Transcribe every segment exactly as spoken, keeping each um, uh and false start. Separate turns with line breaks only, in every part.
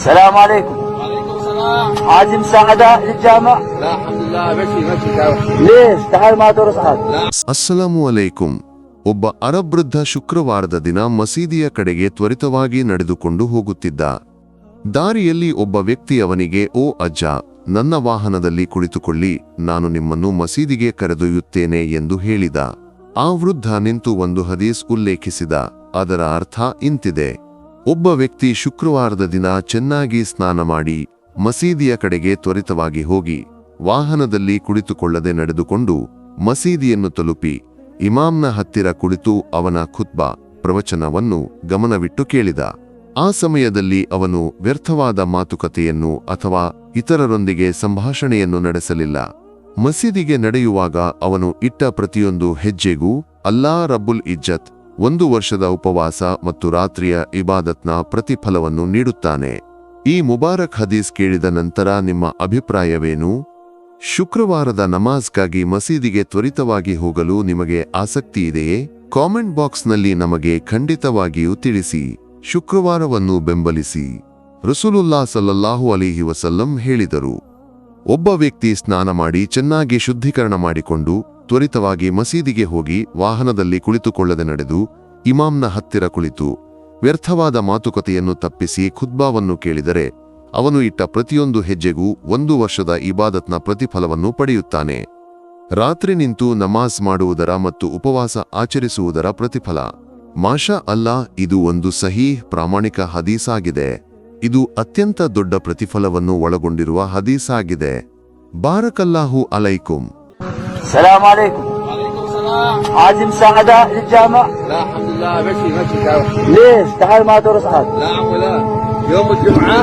السلام عليكم.
وعليكم السلام.
عايز مساعدة للجامع؟
لا الحمد لله ماشي ماشي تعال.
ليش؟ تعال ما درس عاد.
ಅಸ್ಸಲಾಮು ಅಲೈಕುಂ. ಒಬ್ಬ ಅರಬ್ ವೃದ್ಧ ಶುಕ್ರವಾರದ ದಿನ ಮಸೀದಿಯ ಕಡೆಗೆ ತ್ವರಿತವಾಗಿ ನಡೆದುಕೊಂಡು ಹೋಗುತ್ತಿದ್ದ. ದಾರಿಯಲ್ಲಿ ಒಬ್ಬ ವ್ಯಕ್ತಿ ಅವನಿಗೆ, ಓ ಅಜ್ಜ, ನನ್ನ ವಾಹನದಲ್ಲಿ ಕುಳಿತುಕೊಳ್ಳಿ, ನಾನು ನಿಮ್ಮನ್ನು ಮಸೀದಿಗೆ ಕರೆದೊಯ್ಯುತ್ತೇನೆ ಎಂದು ಹೇಳಿದ. ಆ ವೃದ್ಧ ನಿಂತು ಒಂದು ಹದೀಸ್ ಉಲ್ಲೇಖಿಸಿದ. ಅದರ ಅರ್ಥ ಇಂತಿದೆ: ಒಬ್ಬ ವ್ಯಕ್ತಿ ಶುಕ್ರವಾರದ ದಿನ ಚೆನ್ನಾಗಿ ಸ್ನಾನ ಮಾಡಿ ಮಸೀದಿಯ ಕಡೆಗೆ ತ್ವರಿತವಾಗಿ ಹೋಗಿ ವಾಹನದಲ್ಲಿ ಕುಳಿತುಕೊಳ್ಳದೆ ನಡೆದುಕೊಂಡು ಮಸೀದಿಯನ್ನು ತಲುಪಿ ಇಮಾಮ್ನ ಹತ್ತಿರ ಕುಳಿತು ಅವನ ಖುತ್ಬಾ ಪ್ರವಚನವನ್ನು ಗಮನವಿಟ್ಟು ಕೇಳಿದ. ಆ ಸಮಯದಲ್ಲಿ ಅವನು ವ್ಯರ್ಥವಾದ ಮಾತುಕತೆಯನ್ನು ಅಥವಾ ಇತರರೊಂದಿಗೆ ಸಂಭಾಷಣೆಯನ್ನು ನಡೆಸಲಿಲ್ಲ. ಮಸೀದಿಗೆ ನಡೆಯುವಾಗ ಅವನು ಇಟ್ಟ ಪ್ರತಿಯೊಂದು ಹೆಜ್ಜೆಗೂ ಅಲ್ಲಾ ರಬ್ಬುಲ್ ಇಜ್ಜತ್ ಒಂದು ವರ್ಷದ ಉಪವಾಸ ಮತ್ತು ರಾತ್ರಿಯ ಇಬಾದತ್ನ ಪ್ರತಿಫಲವನ್ನು ನೀಡುತ್ತಾನೆ. ಈ ಮುಬಾರಕ್ ಹದೀಸ್ ಕೇಳಿದ ನಂತರ ನಿಮ್ಮ ಅಭಿಪ್ರಾಯವೇನು? ಶುಕ್ರವಾರದ ನಮಾಜ್ಗಾಗಿ ಮಸೀದಿಗೆ ತ್ವರಿತವಾಗಿ ಹೋಗಲು ನಿಮಗೆ ಆಸಕ್ತಿಯಿದೆಯೇ? ಕಾಮೆಂಟ್ ಬಾಕ್ಸ್ನಲ್ಲಿ ನಮಗೆ ಖಂಡಿತವಾಗಿಯೂ ತಿಳಿಸಿ. ಶುಕ್ರವಾರವನ್ನು ಬೆಂಬಲಿಸಿ. ರಸೂಲುಲ್ಲಾ ಸಲ್ಲಲ್ಲಾಹು ಅಲೈಹಿ ವಸಲ್ಲಂ ಹೇಳಿದರು, ಒಬ್ಬ ವ್ಯಕ್ತಿ ಸ್ನಾನ ಮಾಡಿ ಚೆನ್ನಾಗಿ ಶುದ್ಧೀಕರಣ ಮಾಡಿಕೊಂಡು ತ್ವರಿತವಾಗಿ ಮಸೀದಿಗೆ ಹೋಗಿ ವಾಹನದಲ್ಲಿ ಕುಳಿತುಕೊಳ್ಳದೆ ನಡೆದು ಇಮಾಮ್ನ ಹತ್ತಿರ ಕುಳಿತು ವ್ಯರ್ಥವಾದ ಮಾತುಕತೆಯನ್ನು ತಪ್ಪಿಸಿ ಖುತ್ಬಾವನ್ನು ಕೇಳಿದರೆ ಅವನು ಇಟ್ಟ ಪ್ರತಿಯೊಂದು ಹೆಜ್ಜೆಗೂ ಒಂದು ವರ್ಷದ ಇಬಾದತ್ನ ಪ್ರತಿಫಲವನ್ನು ಪಡೆಯುತ್ತಾನೆ. ರಾತ್ರಿ ನಿಂತು ನಮಾಜ್ ಮಾಡುವುದರ ಮತ್ತು ಉಪವಾಸ ಆಚರಿಸುವುದರ ಪ್ರತಿಫಲ. ಮಾಷಾ ಅಲ್ಲಾ, ಇದು ಒಂದು ಸಹೀಹ್ ಪ್ರಾಮಾಣಿಕ ಹದೀಸಾಗಿದೆ. ಇದು ಅತ್ಯಂತ ದೊಡ್ಡ ಪ್ರತಿಫಲವನ್ನು ಒಳಗೊಂಡಿರುವ ಹದೀಸಾಗಿದೆ. ಬಾರಕಲ್ಲಾಹು ಅಲೈಕುಂ.
السلام عليكم.
وعليكم السلام.
عايز مساعدة للجامع؟
لا الحمد لله ماشي ماشي تعال.
ليش؟ تعال ما درس عاد.
لا عم لا. يوم الجمعة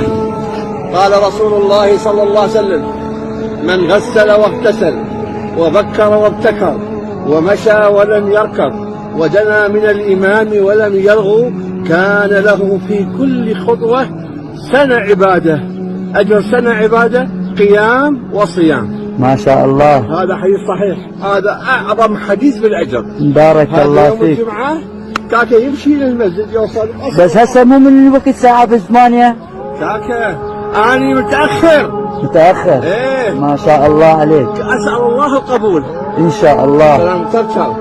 قال رسول الله صلى الله عليه وسلم: من غسل واغتسل وبكر وابتكر ومشى ولم يركض ودنا من الإمام ولم يلغو كان له في كل خطوة سنة عبادة، أجر سنة عبادة قيام وصيام.
ما شاء الله.
هذا حديث صحيح، هذا أعظم حديث بالأجر.
بارك الله
يوم
فيك.
الجمعة كاكا يمشي للمسجد يوصل أصلاً.
بس هسه مو من الوقت ساعة بثمانية؟
كاكا أنا متأخر.
متأخر؟
إيه.
ما شاء الله عليك.
أسأل الله القبول.
إن شاء الله.
سلام.